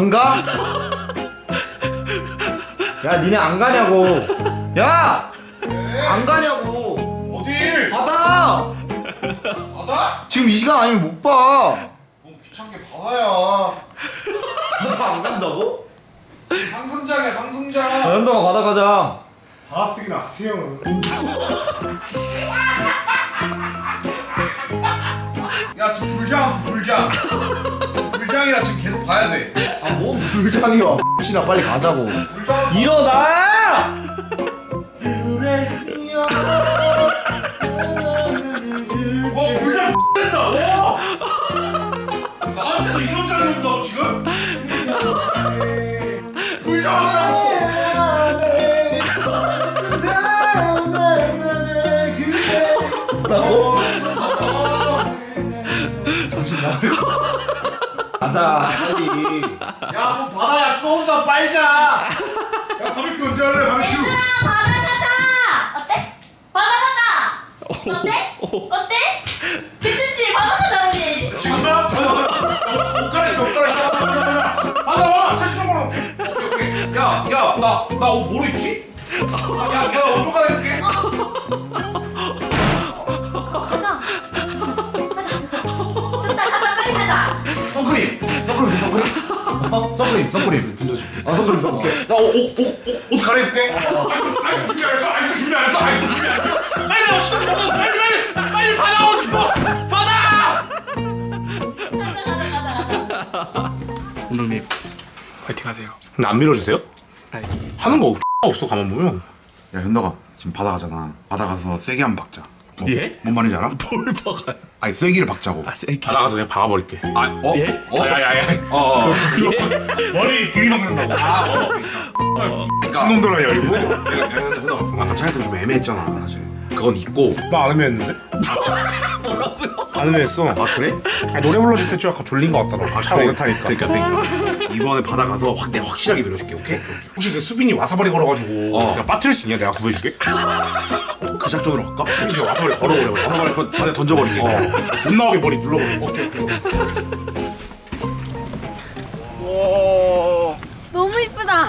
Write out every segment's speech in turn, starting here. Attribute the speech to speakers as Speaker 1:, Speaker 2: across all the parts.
Speaker 1: 안 가? 야 니네 안 가냐고. 야! 안 가냐고.
Speaker 2: 어딜?
Speaker 1: 받아!
Speaker 2: 바다?
Speaker 1: 지금 이 시간 아니면 못 봐.
Speaker 2: 뭐 귀찮게 바다야.
Speaker 1: 안 간다고?
Speaker 2: 상승장이야 상승장.
Speaker 1: 현동아 바다 가자.
Speaker 2: 바다 쓰기나 하세요. 야 지금 불장 왔어 불장. 불장이라 지금 계속 봐야 돼.
Speaker 1: 아 뭔 불장이야. 혹시나 빨리 가자고.
Speaker 2: 불장.
Speaker 1: 일어나!
Speaker 2: 불장 된다. 와. 나한테도 이런 장이 온다고 지금? 불장 왔다고.
Speaker 1: 정신 나갈 거. 가자 빨리.
Speaker 2: 야뭐 바다야 소주나 빨자. 야 바비큐 언제 할래 바비큐?
Speaker 3: 얘들아 바다 가자. 어때? 바다 가자. 어때? 어때? 괜찮지? 바다 가자 우리.
Speaker 2: 지금 나? 옷 갈아입자 옷 갈아입자. 바다 와 70만 원. 오케이. 야나 옷 뭐로 입지? 야옷 좀 갈아입을게.
Speaker 3: 가자. 가자. 좋다 가자 빨리 가자.
Speaker 1: 선크림 빌려줄게. 아 선크림 써볼게.
Speaker 2: 나옷 갈아입을게.
Speaker 4: 아직도 준비 안 했어. 빨리 나와 시작. 빨리 바다 오고 싶어. 바다.
Speaker 3: 가자.
Speaker 4: 감독님 파이팅하세요. 근데 안 밀어주세요? 하는 거 없어 가만 보면.
Speaker 5: 야 현덕아 지금 바다 가잖아. 바다 가서 세게 한번 박자.
Speaker 4: 예?
Speaker 5: 뭔 말인지 알아?
Speaker 4: 뭘 박아요?
Speaker 5: 아니 세기를 박자고.
Speaker 4: 바다 가서 그냥 박아버릴게. 예?
Speaker 5: 어?
Speaker 4: 야야야. 머리 들이박는다고. 신놈들아 열고.
Speaker 5: 내가 현덕아 아까 차에서 좀 애매했잖아 사실. 그건 있고.
Speaker 4: 나 안 애매했는데? 뭐라고요? 안 애매했어.
Speaker 5: 아 그래?
Speaker 4: 아니, 노래 불러줄 때 좀 약간 졸린 것 같더라고. 차 오래 타니까.
Speaker 5: 그러니까 이번에 바다 가서 내가 확실하게 밀어줄게. 오케이?
Speaker 4: 혹시 그 수빈이 와사바리 걸어가지고 그냥 빠뜨릴 수 있냐? 내가 구해줄게.
Speaker 5: 그 작전으로 할까?
Speaker 4: 수빈이 와사바리 걸어버려.
Speaker 5: 바다 그거 바다에 던져버릴게.
Speaker 4: 돈 나오게 머리 눌러버려. 오케이.
Speaker 3: 너무 이쁘다.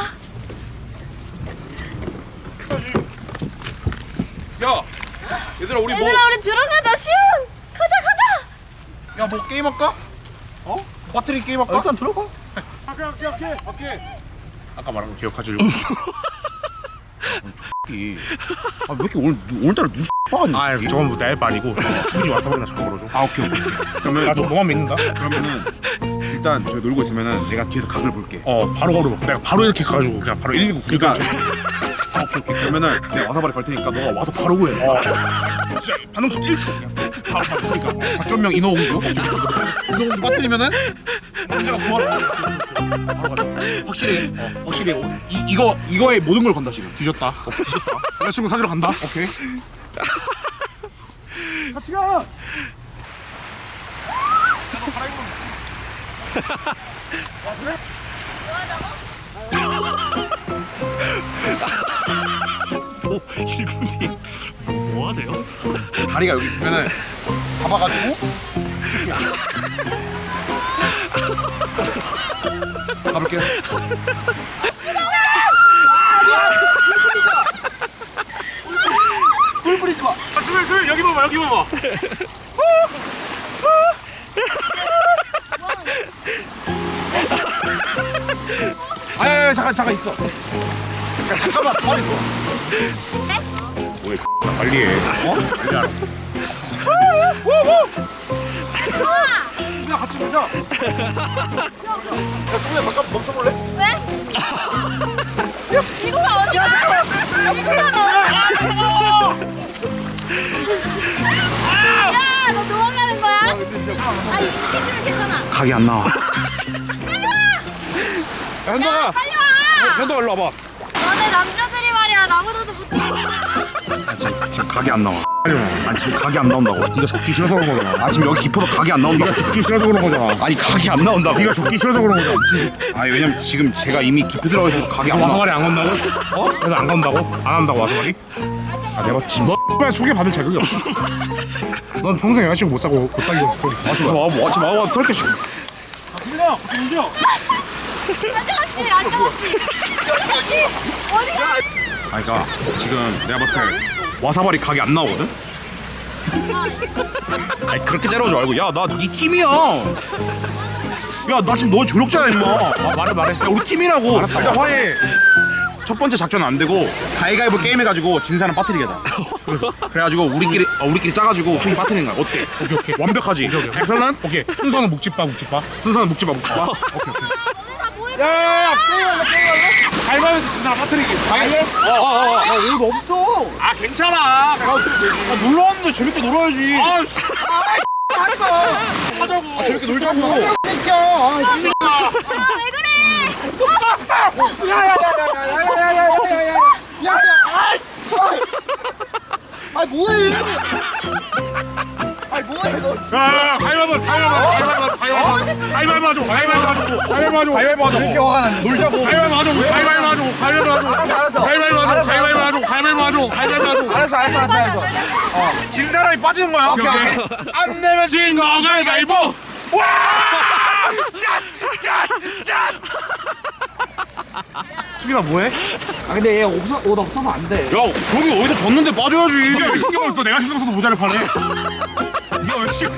Speaker 2: 야 얘들아 우리 뭐?
Speaker 3: 얘들아 우리 들어가자 시훈. 가자.
Speaker 2: 야 뭐 게임 할까? 어? 배터리 게임 할까?
Speaker 1: 일단 들어가.
Speaker 2: 오케이.
Speaker 4: 아까 말한 거 기억하지?
Speaker 5: 왜 이렇게 오늘따라 눈 빠가냐?
Speaker 4: 아 저건 뭐 내 말이고 수빈이 와사바리나 잠깐 걸어줘.
Speaker 5: 아 오케이. 그러면
Speaker 4: 나좀 너만 믿는다.
Speaker 5: 그러면은 일단 저기 놀고 있으면은 내가 뒤에서 각을 볼게.
Speaker 4: 바로 걸어봐. 내가 바로 이렇게 가가지고 그냥 바로 119
Speaker 5: 그러니까 오케이. 그러면은 내가 와사바리 걸 테니까 너가 와서 바로 구해.
Speaker 4: 진짜 반응 속도 1초 그냥 바로 그러니까
Speaker 5: 작전명 인어공주. 인어공주 빠뜨리면은 문제가 구할. 바로 가자. 확실히 이거에 모든 걸 건다 지금.
Speaker 4: 뒤졌다. 뒤졌다. 여자친구 사귀러 간다. 오케이. 일군님 뭐 하세요?
Speaker 5: 다리가 여기 있으면은 잡아가지고 가볼게.
Speaker 1: 꿀 뿌리지 마.
Speaker 4: 수빈 여기 봐봐 여기 봐봐.
Speaker 5: 아야 잠깐 있어.
Speaker 2: 잠깐만 빨리 뭐?
Speaker 4: 왜 빨리 해. 빨리 하라.
Speaker 2: 수빈아 같이 보자. 야 수빈아 잠깐 멈춰볼래?
Speaker 3: 왜? 이거가 어디야? 이거가 야너 도망가는 거야? 아 이렇게 해주면 괜찮아.
Speaker 5: 각이 안 나와.
Speaker 2: 야 현덕아.
Speaker 3: 빨리 와.
Speaker 2: 현덕아 일로 와봐.
Speaker 3: 너네 남자들이 말이야 나보다도 못해.
Speaker 5: 지금 각이 안 나와. 아니 지금 각이 안 나온다고.
Speaker 4: 네가 적기 싫어서 그런 거잖아.
Speaker 5: 아 지금 여기 깊어도 각이 안 나온다고.
Speaker 4: 적기 싫어서 그런 거잖아.
Speaker 5: 아니 각이 안 나온다고.
Speaker 4: 네가 적기 싫어서 그런 거잖아.
Speaker 5: 아니 왜냐면 지금 제가 이미 깊이 들어가 있어서 각이 안 나와.
Speaker 4: 와사바리 안 건다고? 그래서 안 건다고? 안 한다고 와사바리?
Speaker 5: 아 내가 봤을 때 지금
Speaker 4: 너 X발 소개받을 자격이 없어. 넌 평생 여자친구 못 사귀고
Speaker 5: 아 지금 와 설득.
Speaker 2: 수빈아 같이 움직여.
Speaker 3: 안 잡았지? 안 잡았지? 어디 갔지? 어디 갔지?
Speaker 5: 아니 그러니까 지금 내가 봤을 때 와사바리 각이 안 나오거든? 아니 그렇게 때려오지 말고 야 나 네 팀이야. 야 나 지금 너 조력자야 임마.
Speaker 4: 말해.
Speaker 5: 야 우리 팀이라고. 일단 화해. 첫 번째 작전은 안 되고 가위가위보 게임 해가지고 진 사람 빠뜨리게다. 그래가지고 우리끼리 짜가지고 순위 빠뜨리는 거야. 어때?
Speaker 4: 오케이.
Speaker 5: 완벽하지? 백설난?
Speaker 4: 오케이. 순서는 묵집바.
Speaker 5: 순서는 묵지마.
Speaker 3: 너네 다 모여.
Speaker 4: 야야야. 가위바위보 진 사람 빠뜨리기.
Speaker 5: 옷 없어.
Speaker 4: 아 괜찮아.
Speaker 5: 놀러왔는데 재밌게 놀아야지.
Speaker 4: 아씨.
Speaker 5: 하지마.
Speaker 4: 하자고.
Speaker 5: 재밌게 놀자고.
Speaker 3: 아, 왜 그래?
Speaker 1: 아 뭐해? 아 뭐해 너?
Speaker 4: 야 가위바위보 하자.
Speaker 5: 가위바위보 하자. 이렇게 화가 났네. 놀자고.
Speaker 4: 가위바위보 하자.
Speaker 5: 알았어. 진 사람이 빠지는 거야.
Speaker 4: 오케이.
Speaker 5: 안 내면 진 거.
Speaker 4: 가위바위보.
Speaker 5: 와! 짜스!
Speaker 4: 수빈아 뭐해?
Speaker 1: 아 근데 얘 옷 없어서 안 돼.
Speaker 5: 야, 거기 어디서 졌는데 빠져야지.
Speaker 4: 네가 왜 신경을 써? 내가 신경 써도 모자를 파네. 네가 왜 씨?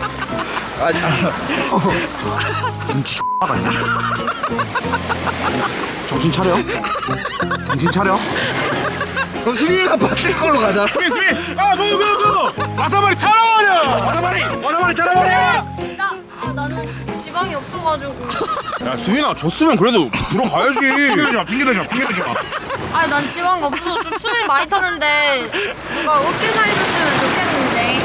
Speaker 5: 눈치 X같네. 정신 차려.
Speaker 1: 그럼 수빈이가 빠질 걸로 가자.
Speaker 4: 수빈. 아 너. 와사바리 타라버려.
Speaker 5: 와사바리 따라버려.
Speaker 3: 나는 지방이 없어가지고.
Speaker 5: 야, 수빈아, 졌으면 그래도 들어가야지.
Speaker 4: 핑계 대지 마.
Speaker 3: 아니 난 지방이 없어. 좀 춤이 많이 타는데 누가 어깨 살려줬으면 좋겠는데.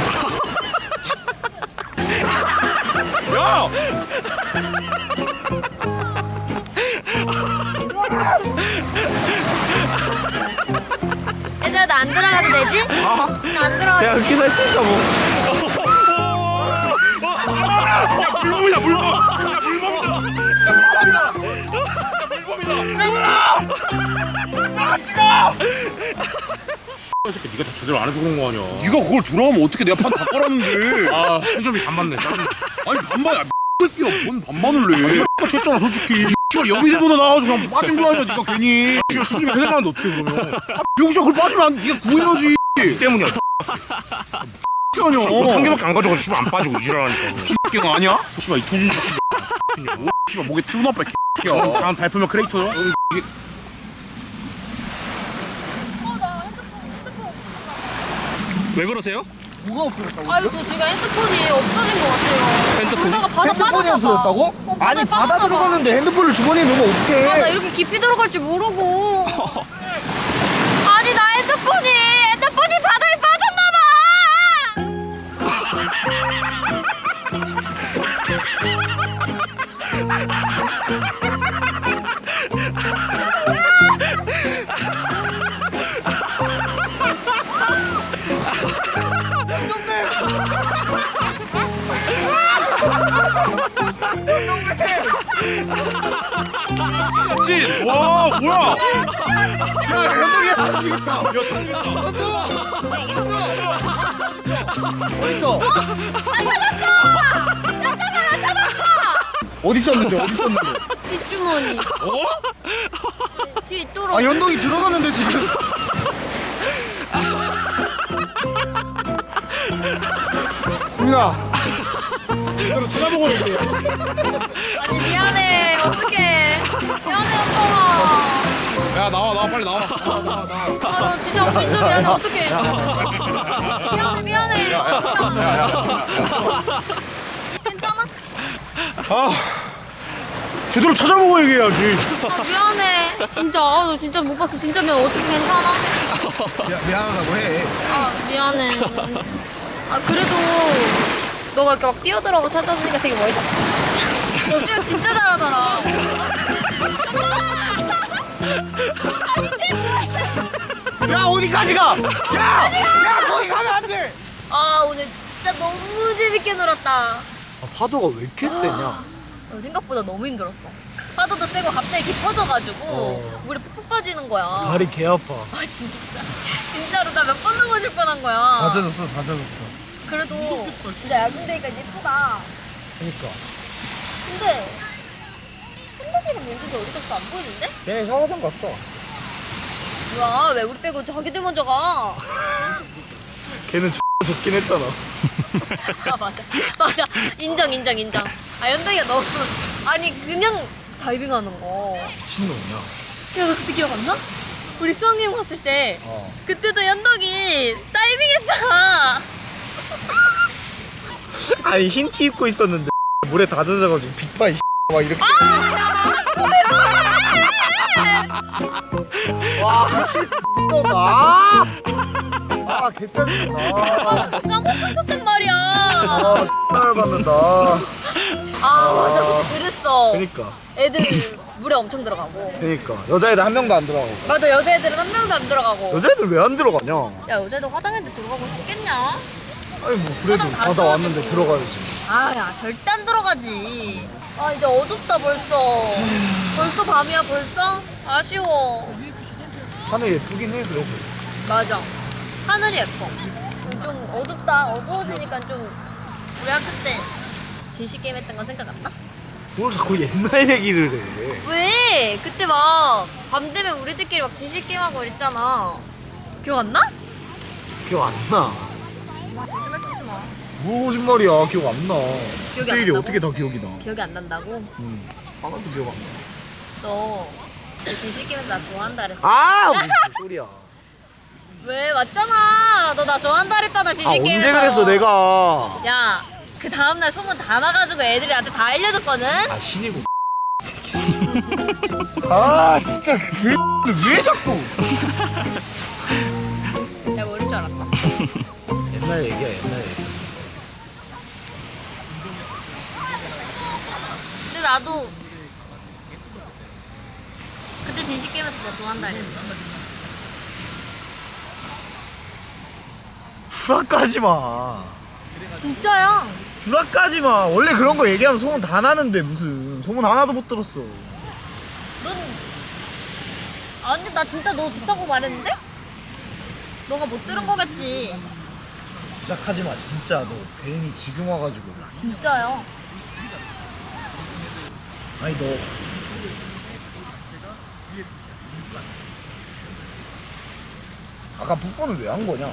Speaker 5: 야!
Speaker 3: 얘들아 나 안 들어가도 되지? 나 안 들어가도
Speaker 1: 제가 그렇게 했으니까 뭐.
Speaker 5: 물범이다, 물범.
Speaker 4: 이 새끼 네가 다 제대로 안 해서 그런 거 아니야.
Speaker 5: 네가 그걸 들어가면 어떻게 내가 판 다 깔았는데.
Speaker 4: 아 펜션이 반 맞네. 짜증나.
Speaker 5: 아니, 반반이야. 새끼야, 뭔 반반을 내.
Speaker 4: 쳤잖아 솔직히.
Speaker 5: 씨발, 영희대보다 나와가지고 그냥 빠진 거 아니야, 네가 괜히.
Speaker 4: 씨발 수빈이가 해달라는데 어떻게 그러면?
Speaker 5: 병신아, 그걸 빠지면 안 돼. 네가 구해야지.
Speaker 4: 이 때문이야.
Speaker 5: 아니야.
Speaker 4: 한 개밖에 안 가져가지고 씨발 안 빠지고 이지랄하니까.
Speaker 5: 씨발 아니야?
Speaker 4: 씨발 이 투준.
Speaker 5: 씨발 목에 튀어나와 개야.
Speaker 4: 다음 발표면 크리에이터요? 왜 그러세요?
Speaker 1: 뭐가 없어졌다고?
Speaker 3: 아유 저 지금 핸드폰이 없어진 것 같아요.
Speaker 4: 핸드폰이?
Speaker 3: 그러다가 바다
Speaker 1: 핸드폰이
Speaker 3: 빠졌나 봐.
Speaker 1: 없어졌다고? 아니 바다
Speaker 3: 빠졌나 봐.
Speaker 1: 들어갔는데 핸드폰을 주머니에 넣으면 어떡해?
Speaker 3: 아 나 이렇게 깊이 들어갈 줄 모르고. 아니 나 핸드폰이 바다에 빠졌나 봐.
Speaker 5: 찐! 와, 뭐야?
Speaker 1: 야 현동이가 찾아주겠다.
Speaker 5: 야,
Speaker 1: 어딨어?
Speaker 3: 나 찾았어.
Speaker 1: 어디 있었는데?
Speaker 3: 뒷주머니.
Speaker 5: 어?
Speaker 3: 뒤에 있도록.
Speaker 1: 아 현동이 들어갔는데 지금. 수민아.
Speaker 4: 이대로 찾아보고 있네.
Speaker 3: 아니 미안해. 어떡해. 미안해 오빠가.
Speaker 5: 야, 나와, 빨리 나와.
Speaker 3: 아나 진짜 미안해. 어떡해. 미안해. 괜찮아?
Speaker 4: 제대로 찾아보고 얘기해야지.
Speaker 3: 아 미안해. 진짜 너 진짜 못 봤어. 진짜 미안. 어떻게 괜찮아?
Speaker 1: 미안하다고 해.
Speaker 3: 아 미안해. 아 그래도 너가 이렇게 막 뛰어들어가고 찾아주니까 되게 멋있지. 너 수영 진짜 잘하더라. 아니 제발.
Speaker 1: 야 어디까지 가? 야 거기 가면 안 돼.
Speaker 3: 아 오늘 진짜 너무 재밌게 놀았다.
Speaker 1: 아, 파도가 왜 이렇게 세냐?
Speaker 3: 생각보다 너무 힘들었어. 파도도 세고 갑자기 깊어져가지고 물에 푹푹 빠지는 거야.
Speaker 1: 다리 개 아파.
Speaker 3: 아 진짜 진짜로 나 몇 번 넘어질 뻔한 거야.
Speaker 1: 다 젖었어.
Speaker 3: 그래도 진짜 야근되니까 예쁘다.
Speaker 1: 그러니까.
Speaker 3: 근데 현덕이랑 공국이 어디 갔어? 안 보이는데?
Speaker 1: 걔 샤워장 갔어.
Speaker 3: 뭐야 왜 우리 빼고 자기들 먼저 가?
Speaker 1: 걔는 적긴 했잖아.
Speaker 3: 아 맞아 인정. 아 연동이가 너무 아니 그냥 다이빙하는 거.
Speaker 1: 미친놈이야.
Speaker 3: 야 너 그때 기억 안 나? 우리 수학여행 갔을 때 그때도 연덕이 다이빙했잖아.
Speaker 1: 아니 흰 티 입고 있었는데 물에 다 젖어가지고 빅파이 막 이렇게. 와 X다. 아 개짜증나.
Speaker 3: 까먹고 있었단 말이야.
Speaker 1: 아 X를 받는다.
Speaker 3: 아 맞아 그랬어.
Speaker 1: 그니까
Speaker 3: 애들 물에 엄청 들어가고.
Speaker 1: 그니까 여자애들 한 명도 안 들어가고.
Speaker 3: 맞아 여자애들은 한 명도 안 들어가고.
Speaker 1: 여자애들 왜 안 들어가냐?
Speaker 3: 야 여자애들 화장했는데 들어가고 싶겠냐?
Speaker 1: 아니 뭐 그래도
Speaker 3: 화장 다
Speaker 1: 바다 왔는데
Speaker 3: 지워지고.
Speaker 1: 들어가야지.
Speaker 3: 아야 절대 안 들어가지. 아 이제 어둡다 벌써. 벌써 밤이야 벌써? 아쉬워.
Speaker 1: 하늘 예쁘긴 해 그래도.
Speaker 3: 맞아. 하늘이 예뻐. 좀 어둡다. 어두워지니까 좀 우리 학교 때 진실 게임 했던 거 생각 안 나?
Speaker 1: 뭘 자꾸 옛날 얘기를 해.
Speaker 3: 왜? 그때 막 밤 되면 우리들끼리 막 진실 게임 하고 이랬잖아. 기억 안 나?
Speaker 1: 기억 안 나.
Speaker 3: 거짓말 치지 마.
Speaker 1: 뭐 거짓말이야. 기억 안 나.
Speaker 3: 기억이
Speaker 1: 그때
Speaker 3: 안
Speaker 1: 일이
Speaker 3: 난다고?
Speaker 1: 어떻게 다 기억이 나.
Speaker 3: 기억이 안 난다고?
Speaker 1: 하나도 기억 안 나.
Speaker 3: 너 진실 게임에서 나 좋아한다 그랬어.
Speaker 1: 아 무슨 소리야.
Speaker 3: 왜? 맞잖아. 너 나 좋아한다 그랬잖아 진실
Speaker 1: 아
Speaker 3: 게임에서.
Speaker 1: 언제 그랬어 내가.
Speaker 3: 야, 그 다음날 소문 다 나가지고 애들이 나한테 다 알려줬거든?
Speaker 1: 아 신이고 새끼 진짜. 아 진짜 왜 자꾸.
Speaker 3: 내가 모를 줄 알았어.
Speaker 1: 옛날 얘기야 옛날 얘기.
Speaker 3: 근데 나도 그때 진실 게임에서 너 좋아한다 그랬어.
Speaker 1: 불화까지 마.
Speaker 3: 진짜야.
Speaker 1: 불화까지 마. 원래 그런 거 얘기하면 소문 다 나는데 무슨 소문 하나도 못 들었어.
Speaker 3: 넌 아니 나 진짜 너 좋다고 말했는데? 너가 못 들은 거겠지.
Speaker 1: 시작하지 마 진짜. 너 괜히 지금 와가지고.
Speaker 3: 진짜요.
Speaker 1: 아니 너 아까 뽀뽀는 왜 한 거냐?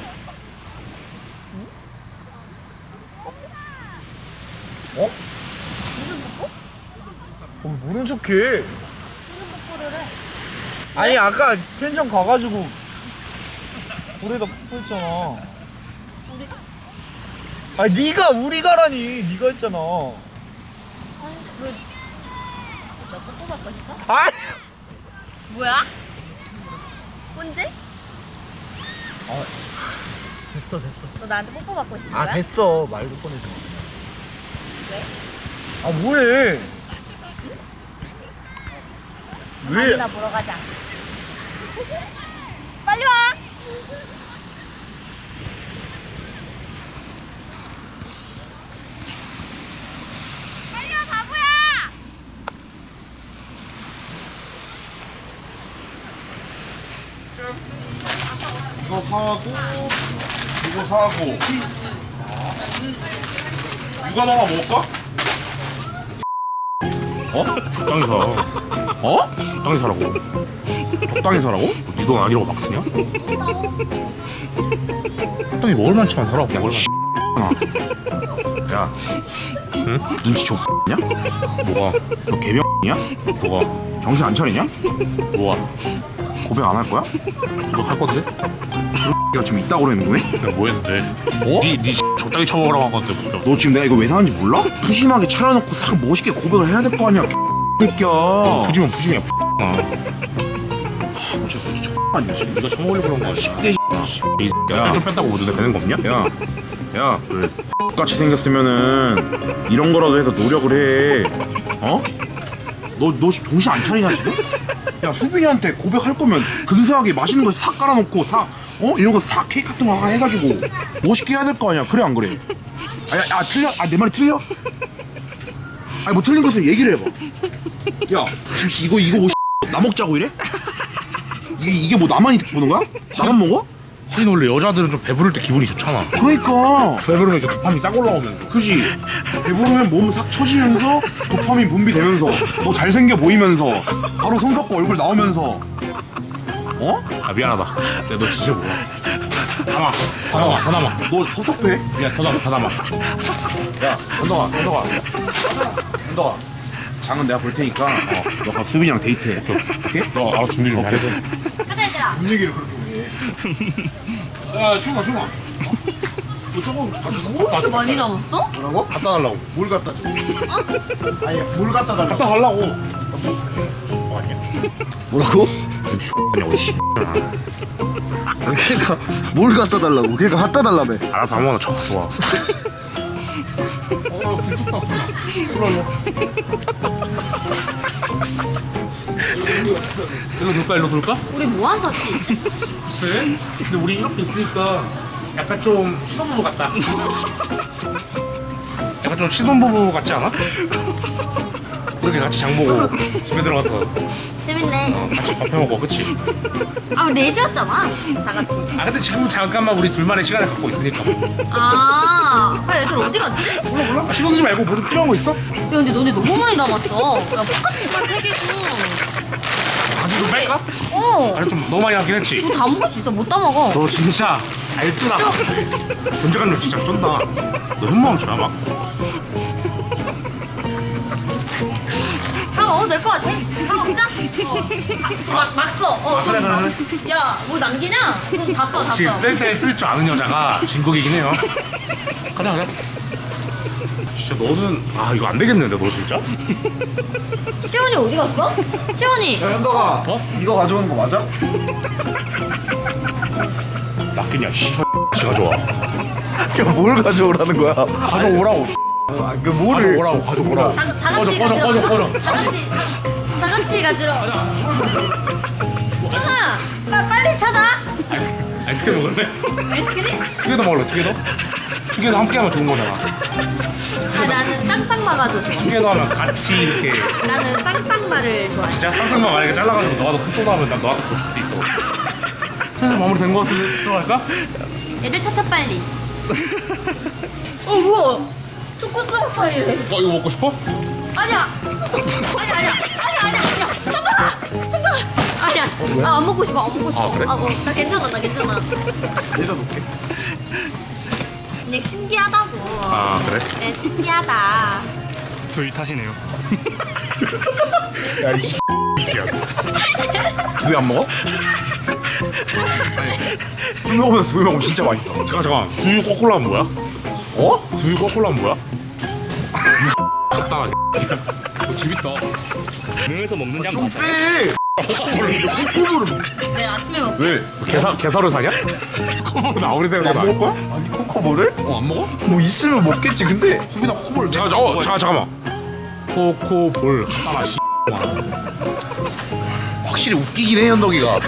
Speaker 1: 어?
Speaker 3: 무슨 뽀뽀?
Speaker 1: 모른 척해.
Speaker 3: 무슨 뽀뽀를 해?
Speaker 1: 아니 아까 펜션 가가지고 우리다 뽀뽀했잖아.
Speaker 3: 우리
Speaker 1: 아니 네가 우리 가라니. 네가 했잖아.
Speaker 3: 아니 왜? 나 뽀뽀 받고 싶어?
Speaker 1: 아니
Speaker 3: 뭐야? 언제?
Speaker 1: 아 됐어.
Speaker 3: 너 나한테 뽀뽀 받고 싶은 거야?
Speaker 1: 아 됐어. 말도 꺼내지 마.
Speaker 3: 왜?
Speaker 1: 아 뭐해? 왜?
Speaker 3: 아니나 보러 가자. 빨리 와. 빨리 와 바보야.
Speaker 5: 이거 사고 이거 사고 이거 하나 먹을까?
Speaker 4: 적당히 사.
Speaker 5: 어?
Speaker 4: 적당히 사라고.
Speaker 5: 적당히 사라고?
Speaker 4: 네 돈 아니라고 막 쓰냐? 적당히 먹을 만치만 사라고. 먹을 만.
Speaker 5: 야
Speaker 4: 응?
Speaker 5: 눈치 좁냐?
Speaker 4: 뭐가?
Speaker 5: 너 개병이야?
Speaker 4: 뭐가?
Speaker 5: 정신 안 차리냐?
Speaker 4: 뭐가?
Speaker 5: 고백 안 할 거야?
Speaker 4: 너 할 건데?
Speaker 5: 내가 지금 있다고 그러는 거야?
Speaker 4: 내가 뭐 했는데?
Speaker 5: 어?
Speaker 4: 네 적당히 처먹으라고 한 건데 뭐.
Speaker 5: 너 지금 내가 이거 왜 사는지 몰라? 푸짐하게 차려놓고 싹 멋있게 고백을 해야 될 거 아니야 새끼야.
Speaker 4: 푸짐은 푸짐이야.
Speaker 5: 너 진짜 진짜 아니야 지금.
Speaker 4: 네가 처먹으려고 그런 거 아니야?
Speaker 5: 개
Speaker 4: 이
Speaker 5: 야.
Speaker 4: 좀 뺐다고 뭐 눈에 뵈는 거 없냐?
Speaker 5: 야
Speaker 4: 왜?
Speaker 5: 똑같이 생겼으면은 이런 거라도 해서 노력을 해. 어? 너 정신 안 차리냐 지금? 야 수빈이한테 고백할 거면 근사하게 맛있는 거 싹 깔아놓고 이런 거 싹 케이크 같은 거 하나 해가지고 멋있게 해야 될 거 아니야. 그래 안 그래? 틀려? 내 말이 틀려? 아니 뭐 틀린 거 있으면 얘기를 해봐. 야 지금 이거 뭐 나 먹자고 이래? 이게 뭐 나만 보는 거야? 나만 먹어?
Speaker 4: 하긴 원래 여자들은 좀 배부를 때 기분이 좋잖아.
Speaker 5: 그러니까
Speaker 4: 배부르면 이제 도파민 싹 올라오면서.
Speaker 5: 그지. 배부르면 몸 싹 처지면서 도파민 분비되면서 너 잘생겨 보이면서 바로 손 섞고 얼굴 나오면서. 어?
Speaker 4: 아 미안하다. 내가 너 진짜 몰라. 담아. 더 남아. 더 남아.
Speaker 5: 너 섭섭해?
Speaker 4: 미안. 더 남아. 더 남아.
Speaker 5: 야, 현덕아. 장은 내가 볼 테니까 너가 수빈이랑 데이트해. 오케이?
Speaker 4: 너 알아 준비 좀 잘해줘.
Speaker 3: 가자 얘들아.
Speaker 1: 뭔 얘기를 그렇게 해?
Speaker 4: 야 충아. 너 조금
Speaker 3: 뭐 이렇게 많이 남았어?
Speaker 1: 뭐라고?
Speaker 4: 갖다 달라고.
Speaker 1: 뭘 갖다 줘? 아니 뭘 갖다 달라고?
Speaker 4: 갖다 달라고.
Speaker 1: 뭐라고?
Speaker 4: 그냥 씨.
Speaker 1: 그러니까 뭘 갖다 달라고? 그러니까 갖다 달라며.
Speaker 4: 알아서 아무거나 쳐. 좋아. 일로 돌까? 일로 돌까?
Speaker 3: 우리 뭐 안 샀지?
Speaker 4: 글쎄. 근데 우리 이렇게 있으니까 약간 좀 신혼부부 같다. 약간 좀 신혼부부 같지 않아? 그렇게 같이 장 보고 집에 들어가서
Speaker 3: 재밌네.
Speaker 4: 같이 밥 해먹어, 그치?
Speaker 3: 아 우리 넷이었잖아. 다 같이.
Speaker 4: 아 근데 지금 잠깐만 우리 둘만의 시간을 갖고 있으니까.
Speaker 3: 아 애들 어디 갔지?
Speaker 4: 몰라? 아, 신경 쓰지 말고 뭐 필요한 거 있어?
Speaker 3: 야 근데 너네 너무 많이 남았어. 야 포카치 세 개도.
Speaker 4: 가지고 뺄까?
Speaker 3: 어.
Speaker 4: 아니 좀 너무 많이 하긴 했지.
Speaker 3: 이거 다 먹을 수 있어. 못 다 먹어.
Speaker 4: 너 진짜 알뜰하다. 존재감력 진짜 쩐다. 너 현모함 좀 해봐.
Speaker 3: 다 먹어도 될 것 같아. 다 먹자. 막 써.
Speaker 4: 그래.
Speaker 3: 야, 뭐 남기냐? 돈 다 써, 다
Speaker 4: 지금
Speaker 3: 써.
Speaker 4: 쓸 때 쓸 줄 아는 여자가 진국이긴 해요. 가자. 진짜 너는 이거 안 되겠는데 너 진짜?
Speaker 3: 시원이 어디 갔어? 시원이.
Speaker 1: 야 현덕아, 이거 가져오는 거 맞아?
Speaker 4: 낚이냐 씨가 좋아.
Speaker 1: 야 뭘 가져오라는 거야?
Speaker 4: 가져오라고.
Speaker 1: 아, 그 뭐를?
Speaker 4: 가져오라고.
Speaker 3: 다 같이 가지러.
Speaker 4: 꺼져.
Speaker 3: 다 같이 가지러. 시원아, 빨리 찾아.
Speaker 4: 아이스크림 먹을래?
Speaker 3: 아이스크림?
Speaker 4: 두 개 더 먹을래? 두 개 더 함께 하면 좋은 거잖아.
Speaker 3: 아 나는 쌍쌍마가 더 좋아.
Speaker 4: 두 개 더 하면 같이 이렇게.
Speaker 3: 나는 쌍쌍마를 좋아해.
Speaker 4: 진짜 쌍쌍만 만약에 잘라가지고 너가 더 큰 또 하면 난 너한테 더 줄 수 있어. 슬슬 마무리 된 거 같은데 들어갈까?
Speaker 3: 애들 찾아 빨리. 우와. 초코 스파이래.
Speaker 4: 이거 먹고 싶어?
Speaker 3: 아니야. 현동아. 아니야. 안 먹고 싶어. 안 먹고 싶어.
Speaker 4: 아, 그래?
Speaker 3: 나 괜찮아.
Speaker 1: 내려놓게.
Speaker 3: 그냥 신기하다고.
Speaker 4: 아 그래?
Speaker 3: 네, 신기하다.
Speaker 4: 술 타시네요.
Speaker 5: 두유 안 먹어? 술 먹으면 두유 먹으면 진짜 맛있어.
Speaker 4: 잠깐. 두유 거꾸로 하면 뭐야?
Speaker 5: 어?
Speaker 4: 두유 거꾸로 하면 뭐야? 적당하게.
Speaker 5: 재밌다.
Speaker 4: 능에서 먹는 양
Speaker 1: 좀 빼. 코코볼을
Speaker 3: 네, 아침에 먹.
Speaker 5: 왜?
Speaker 4: 개사를 사냐? 코볼은 아무리
Speaker 5: 안
Speaker 4: 생각해도
Speaker 5: 먹을 거야?
Speaker 1: 아니 코코볼을?
Speaker 5: 안 먹어?
Speaker 1: 뭐 있으면 먹겠지. 근데
Speaker 5: 수빈아 코코볼
Speaker 4: 잠깐만. 코볼 갖다놔 씨.
Speaker 5: 확실히 웃기긴 해 현덕이가.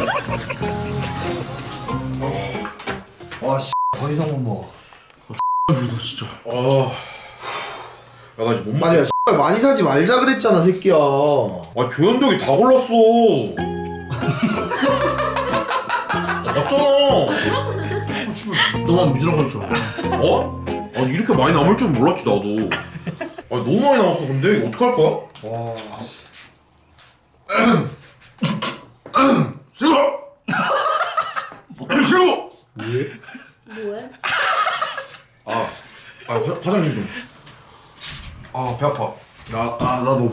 Speaker 1: 와씨 더 이상 못 먹어.
Speaker 4: 진짜.
Speaker 5: 야 나 지금 못
Speaker 1: 맞아. 많이 사지 말자 그랬잖아 새끼야.
Speaker 5: 아 조현덕이 다 골랐어. 맞잖아.
Speaker 4: 너만 믿으라고 했죠.
Speaker 5: 어? 아니 이렇게 많이 남을 줄 몰랐지 나도. 아 너무 많이 남았어. 근데 이거 어떡할 거야?
Speaker 1: 와.
Speaker 4: 싫어. 싫어.
Speaker 3: 뭐해?
Speaker 5: 화장실 좀. 아 배 아파.
Speaker 1: 나도.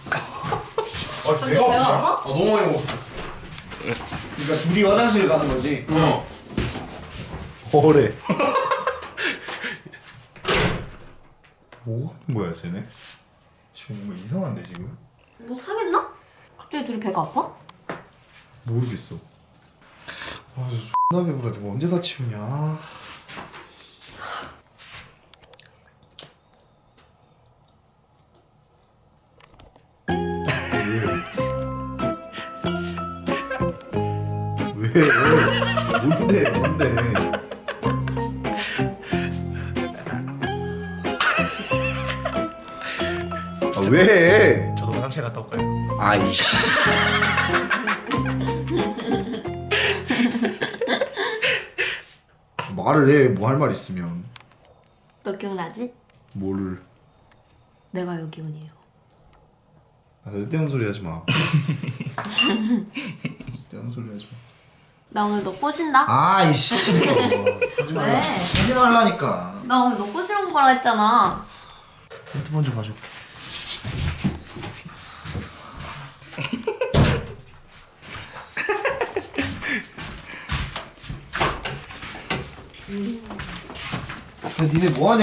Speaker 5: 배가
Speaker 3: 배가 아파?
Speaker 5: 너무 많이 먹었어.
Speaker 1: 그러니까 둘이 화장실 가는 거지. 뭐래? 뭐 하는 거야 쟤네? 지금 뭔가 이상한데 지금?
Speaker 3: 뭐 상했나? 갑자기 둘이 배가 아파?
Speaker 1: 모르겠어. 아, 존나 배부라. 지금 언제 다 치우냐? 왜? 뭔데? 아, 왜?
Speaker 4: 저도 화장실 갔다 올까요?
Speaker 1: 아이씨. 말을 해. 뭐 할 말 있으면.
Speaker 3: 너 기억나지?
Speaker 1: 뭐를.
Speaker 3: 내가 여기온이에요.
Speaker 1: 아, 쓸데없는 소리 하지 마. 쓸데없는 소리 하지 마.
Speaker 3: 나 오늘 너 꼬신다?
Speaker 1: 아이씨. 하지 말라.
Speaker 3: 왜?
Speaker 1: 하지 말라니까.
Speaker 3: 나 오늘 너 꼬시러 온 거라 했잖아.
Speaker 1: 핸드폰 좀 가져올게. 야, 니네 뭐하냐?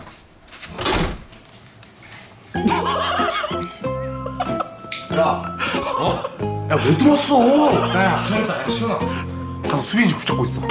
Speaker 1: 야,
Speaker 5: 야 왜 들었어?
Speaker 4: 야 시원하다 야 시원하.
Speaker 5: 가서 수빈이 좀 붙잡고 있어.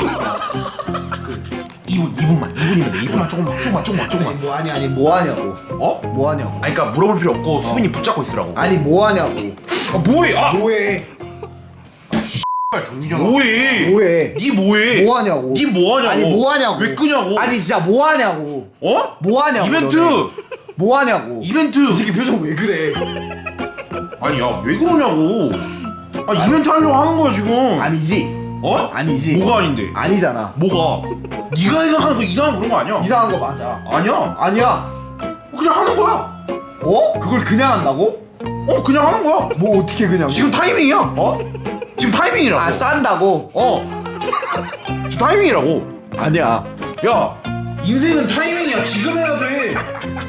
Speaker 5: 2분이면 돼. 2분만 조금만.
Speaker 1: 아니 뭐하냐고.
Speaker 5: 어?
Speaker 1: 뭐하냐고.
Speaker 5: 아니 그러니까 물어볼 필요 없고 수빈이 붙잡고 있으라고.
Speaker 1: 아니 뭐하냐고.
Speaker 5: 아 뭐해? 아
Speaker 1: 뭐해?
Speaker 4: 빨리 종민이
Speaker 5: 뭐해?
Speaker 1: 뭐해?
Speaker 5: 니 뭐해?
Speaker 1: 뭐하냐고.
Speaker 5: 니 뭐하냐고?
Speaker 1: 아니 뭐하냐고.
Speaker 5: 왜 끄냐고?
Speaker 1: 아니 진짜 뭐하냐고.
Speaker 5: 어?
Speaker 1: 뭐하냐고.
Speaker 5: 이벤트.
Speaker 1: 너네. 뭐하냐고.
Speaker 5: 이벤트.
Speaker 1: 이 새끼 표정 왜 그래?
Speaker 5: 아니 야 왜 그러냐고. 아 이벤트 하려고 하는 거야 지금.
Speaker 1: 아니지.
Speaker 5: 어?
Speaker 1: 아니지.
Speaker 5: 뭐가 아닌데?
Speaker 1: 아니잖아.
Speaker 5: 뭐가? 네가 생각하는 그 이상한 그런 거 아니야?
Speaker 1: 이상한 거 맞아.
Speaker 5: 아니야.
Speaker 1: 아니야.
Speaker 5: 그냥 하는 거야.
Speaker 1: 어? 그걸 그냥 한다고?
Speaker 5: 그냥 하는 거야.
Speaker 1: 뭐 어떻게 그냥?
Speaker 5: 지금 타이밍이야.
Speaker 1: 어?
Speaker 5: 지금 타이밍이라고.
Speaker 1: 아 싼다고?
Speaker 5: 지금 타이밍이라고.
Speaker 1: 아니야.
Speaker 5: 야, 인생은 타이밍이야. 지금 해야 돼.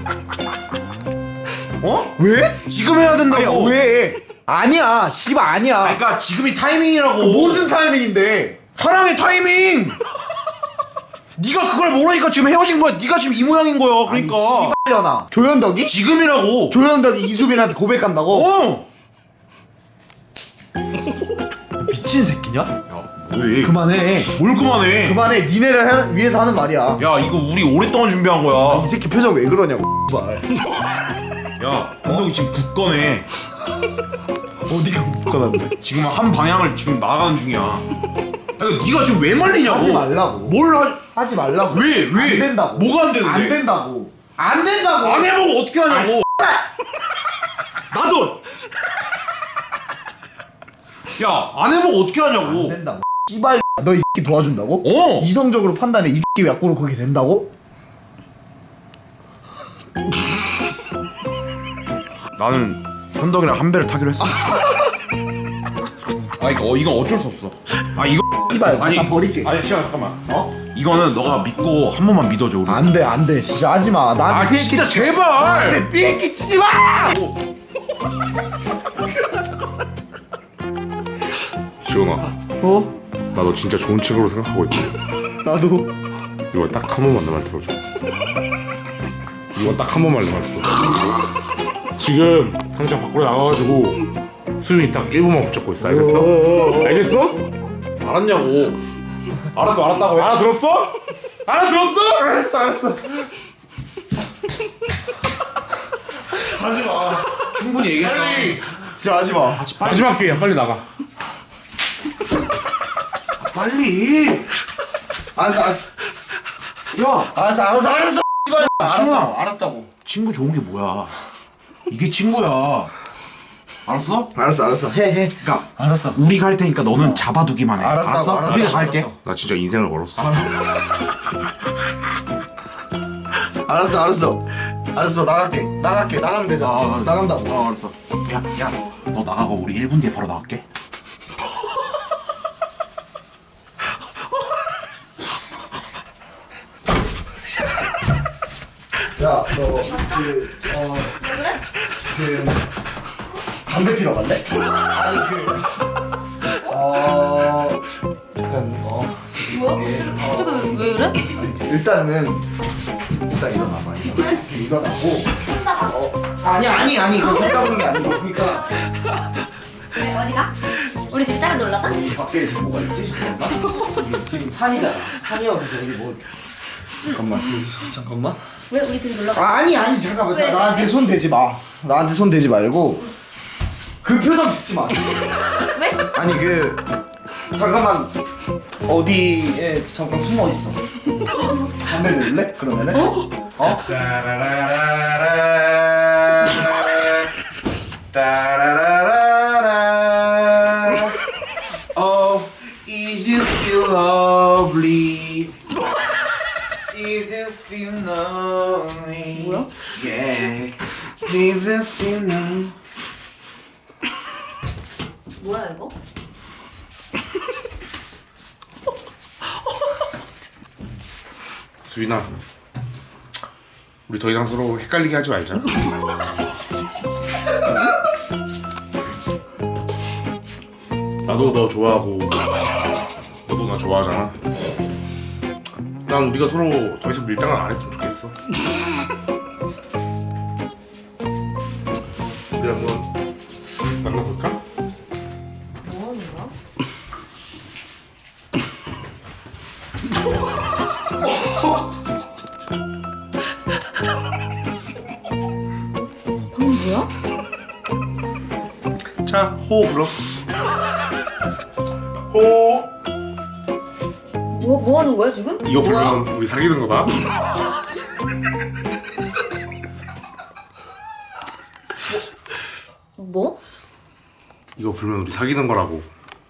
Speaker 1: 왜?
Speaker 5: 지금 해야 된다고.
Speaker 1: 아니야 왜? 아니야. 씨발 아니야.
Speaker 5: 그러니까 지금이 타이밍이라고.
Speaker 1: 무슨 타이밍인데?
Speaker 5: 사랑의 타이밍. 네가 그걸 모르니까 지금 헤어진 거야. 네가 지금 이 모양인 거야. 그러니까.
Speaker 1: 씨발려나. 조현덕이?
Speaker 5: 지금이라고.
Speaker 1: 조현덕이 이수빈한테 고백한다고? 미친 새끼냐?
Speaker 5: 야, 뭐해?
Speaker 1: 그만해.
Speaker 5: 뭘 그만해?
Speaker 1: 그만해. 니네를 위해서 하는 말이야.
Speaker 5: 야, 이거 우리 오랫동안 준비한 거야.
Speaker 1: 이 새끼 표정 왜 그러냐고. 씨발.
Speaker 5: 야, 운동이 지금 굳건해.
Speaker 1: 어디가 묶어놨네.
Speaker 5: 지금 한 방향을 지금 나가는 중이야. 그러니까 네가 지금 왜 말리냐고.
Speaker 1: 하지 말라고.
Speaker 5: 뭘
Speaker 1: 하지 말라고.
Speaker 5: 왜?
Speaker 1: 안 된다고.
Speaker 5: 뭐가 안 되는데?
Speaker 1: 안 된다고. 안 된다고.
Speaker 5: 안 해보고 어떻게 하냐고. 나도. 야, 안 해보고 어떻게
Speaker 1: 안
Speaker 5: 하냐고.
Speaker 1: 된다고. 씨발. 너 이 새끼 도와준다고?
Speaker 5: 어.
Speaker 1: 이성적으로 판단해. 이 새끼 약고로 그게 된다고?
Speaker 5: 나는 현덕이랑 한 배를 타기로 했어. 아 이거 어쩔 수 없어. 아 이거
Speaker 1: 씨발.
Speaker 5: 아니
Speaker 1: 나 버릴게.
Speaker 5: 아니 시간 잠깐만.
Speaker 1: 어?
Speaker 5: 이거는 너가 믿고 한 번만 믿어줘 우리.
Speaker 1: 안 돼. 진짜 하지 마. 나한테 삐끼
Speaker 5: 진짜
Speaker 1: 치지
Speaker 5: 제발.
Speaker 1: 나한테 삐끼 치지 마.
Speaker 4: 시원아
Speaker 1: 어?
Speaker 4: 나 너 진짜 좋은 친구로 생각하고 있거든.
Speaker 1: 나도.
Speaker 4: 이거 딱 한 번만 내 말 들어줘. 이거 딱 한 번만 내 말 들어줘. 지금 당장 밖으로 나가가지고 수빈이 딱 1분만 붙잡고 있어. 알겠어? 알겠어?
Speaker 5: 알았냐고. 알았어 알았다고 해.
Speaker 4: 알아들었어? 알아들었어?
Speaker 5: 알았어.
Speaker 1: 하지 마.
Speaker 5: 충분히 얘기했다.
Speaker 4: 빨리
Speaker 1: 진짜 하지 마.
Speaker 4: 마지막 기회야. 빨리 나가.
Speaker 5: 빨리.
Speaker 1: 알았어.
Speaker 5: 야
Speaker 1: 알았어. 씨발.
Speaker 5: 신호야.
Speaker 1: 알았다고.
Speaker 5: 친구 좋은 게 뭐야? 이게 친구야. 알았어?
Speaker 1: 알았어. 해.
Speaker 5: 그러니까
Speaker 1: 알았어.
Speaker 5: 우리가 할 테니까 너는 잡아두기만 해.
Speaker 1: 알았다고, 알았어.
Speaker 5: 우리가 갈게.
Speaker 4: 나 진짜 인생을 걸었어.
Speaker 1: 알았어. 나갈게. 나가면 되잖아. 나간다고.
Speaker 5: 알았어. 야, 너 나가고 우리 1분 뒤에 바로 나갈게.
Speaker 1: 야, 너 담배 피러 갈래? 아니 약간
Speaker 3: 뭐야? 갑자기 왜 이래?
Speaker 1: 일단 일어나봐. 이렇게 일어나고. 아니 이거 손 잡는 게 아니고 그러니까
Speaker 3: 왜 어디가? 우리 집 따라 놀러 가?
Speaker 1: 밖에 지금 뭐가 있지? 이게 지금 산이잖아. 산이어서 저기 뭐 잠깐만.
Speaker 3: 왜 우리 둘이 놀러 가?
Speaker 1: 아니 잠깐만.
Speaker 3: 왜?
Speaker 1: 나한테 손 대지 마. 나한테 손 대지 말고 그 표정 짓지 마.
Speaker 3: 왜?
Speaker 1: 아니 잠깐만 어디에 잠깐 숨어 있어. 담배 넣을래? 그러면은? 어?
Speaker 5: Oh, is you still lovely? feel lonely.
Speaker 3: 뭐야?
Speaker 5: Yeah. Leave us feel lonely.
Speaker 3: 뭐야 이거?
Speaker 4: 수빈아, 우리 더 이상 서로 헷갈리게 하지 말자. 나도 너 좋아하고 너도 나 좋아하잖아. 난 우리가 서로 더 이상 밀당을 안 했으면 좋겠어. 우리 한번 만나볼까?
Speaker 3: 뭐 하는 거야? 방금 뭐야?
Speaker 4: 자, 호호 불어. 호호.
Speaker 3: 뭐 하는 거야 지금?
Speaker 4: 이거 부르면 우리 사귀는 거다.
Speaker 3: 뭐?
Speaker 4: 이거 불면 우리 사귀는 거라고.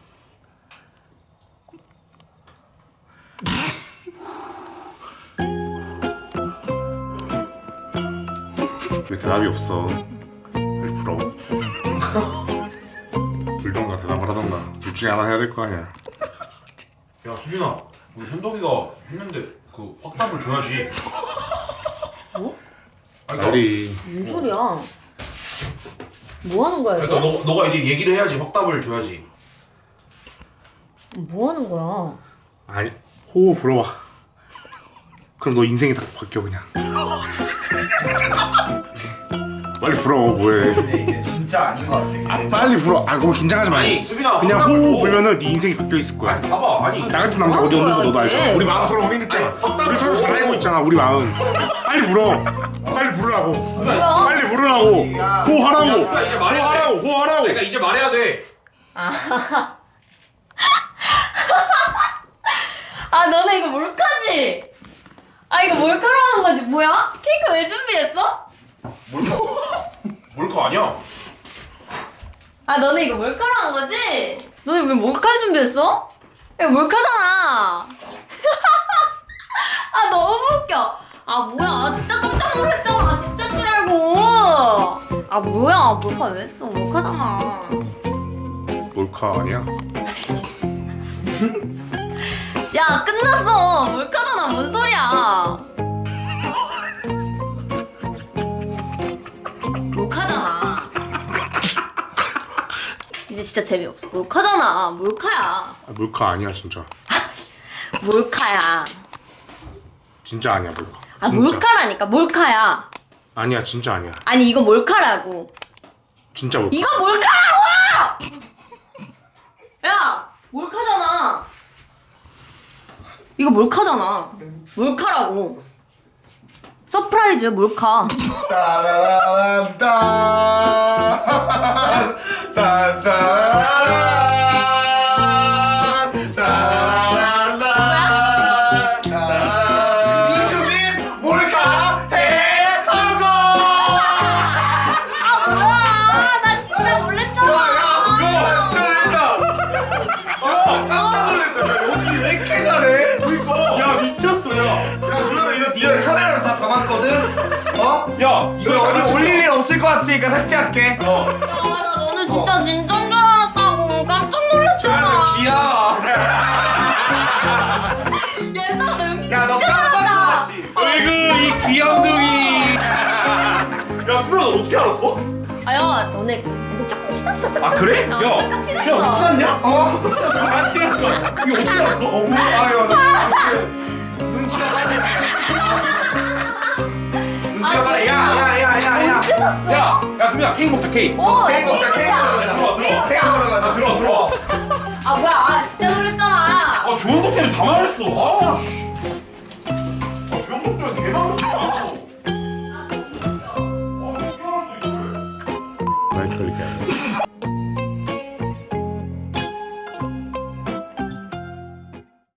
Speaker 4: 왜 대답이 없어? 빨리 불어. 불던가 대답을 하던가 둘 중에 하나 해야 될 거 아니야.
Speaker 5: 야 수빈아, 우리 현덕이가 했는데 그 확답을 줘야지.
Speaker 3: 뭐?
Speaker 5: 아니,
Speaker 4: 빨리.
Speaker 3: 무슨 소리야? 뭐 하는 거야
Speaker 5: 그러니까
Speaker 3: 이거?
Speaker 5: 너가 이제 얘기를 해야지 확답을 줘야지.
Speaker 3: 뭐 하는 거야?
Speaker 4: 아니 호호 불어봐. 그럼 너 인생이 다 바뀌어 그냥. 빨리 불어 뭐해.
Speaker 1: 근데 이게 진짜 아닌 것 같아.
Speaker 4: 아 빨리 불어. 아 너무 긴장하지 마.
Speaker 5: 아니 수빈아,
Speaker 4: 그냥
Speaker 5: 확답을
Speaker 4: 호호
Speaker 5: 줘.
Speaker 4: 불면은 네 인생이 바뀌어 있을 거야.
Speaker 5: 아니 봐봐, 아니
Speaker 4: 나 같은 남자
Speaker 3: 뭐
Speaker 4: 어디
Speaker 3: 하는
Speaker 4: 없는 거
Speaker 3: 거야,
Speaker 4: 너도 알잖아.
Speaker 3: 이게?
Speaker 4: 우리 마음 서로 확인했잖아.
Speaker 5: 아니, 확답을
Speaker 4: 우리 서로
Speaker 5: 줘.
Speaker 4: 잘 알고 있잖아. 우리 마음. 빨리 불어. 빨리 부르라고.
Speaker 3: 뭐야?
Speaker 4: 빨리 부르라고. 호하라고.
Speaker 5: 야, 이제 말해야 돼.
Speaker 4: 호하라고. 호하라고.
Speaker 5: 그러니까 이제 말해야 돼.
Speaker 3: 아 너네 이거 몰카지? 아 이거 몰카로 하는 거지 뭐야? 케이크 왜 준비했어?
Speaker 5: 몰카 아니야?
Speaker 3: 아 너네 이거 몰카로 한 거지? 너네 왜 몰카 준비했어? 이거 몰카잖아. 아 너무 웃겨. 아 뭐야 진짜 깜짝 놀랐잖아. 진짜 줄 알고. 아 뭐야 몰카 왜 했어? 몰카잖아.
Speaker 4: 몰카 아니야?
Speaker 3: 야 끝났어. 몰카잖아. 뭔 소리야? 몰카잖아. 이제 진짜 재미없어. 몰카잖아. 몰카야.
Speaker 4: 아, 몰카 아니야 진짜.
Speaker 3: 몰카야.
Speaker 4: 진짜 아니야 몰카.
Speaker 3: 아
Speaker 4: 진짜.
Speaker 3: 몰카라니까. 몰카야.
Speaker 4: 아니야 진짜 아니야.
Speaker 3: 아니 이거 몰카라고.
Speaker 4: 진짜 몰카.
Speaker 3: 이거 몰카라고! 야 몰카잖아. 이거 몰카잖아. 몰카라고. 서프라이즈 몰카.
Speaker 1: 따라라란따. 따라라란. 따라라란. 이수빈 몰카 대성공.
Speaker 3: 아 뭐야 나 진짜 놀랬잖아.
Speaker 1: 깜짝 놀랐다. 여기 왜 이렇게 잘해? 그니까. 야 미쳤어 야. 조현아 이거 네가 카메라로 다 담았거든. 어?
Speaker 5: 야
Speaker 1: 이거 어디 올릴 일 없을 것 같으니까 삭제할게.
Speaker 3: 야나 너는 진짜 진짜인 줄 알았다고. 깜짝 놀랐잖아.
Speaker 1: 기야.
Speaker 3: 얘들아 너 연기
Speaker 1: 야, 너
Speaker 3: 진짜
Speaker 1: 깜빡
Speaker 3: 잘한다.
Speaker 1: 놀랐지?
Speaker 5: 어이구 이 귀염둥이. 야 수빈아, 너 어떻게 알았어?
Speaker 3: 아야 너네 조금 티났어 조금.
Speaker 5: 아 그래?
Speaker 3: 어,
Speaker 5: 야
Speaker 3: 조금 티났어.
Speaker 5: 수빈아 너 티났냐?
Speaker 1: 나 티났어.
Speaker 5: 이거 어떻게 알았어?
Speaker 1: 눈치가 빨리. 눈치가
Speaker 3: 아,
Speaker 1: 빨리.
Speaker 3: 진짜?
Speaker 1: 야야야야야.
Speaker 3: 언제 샀어?
Speaker 5: 야 수빈아, 케이크 먹자 케이크.
Speaker 3: 오,
Speaker 1: 케이크 먹자. 케이크 먹자. 케이크 먹으러 가자.
Speaker 5: 들어와.
Speaker 3: 아 뭐야 아 진짜 놀랬잖아.
Speaker 5: 아 조현덕 때문에 다 말했어. 아 씨.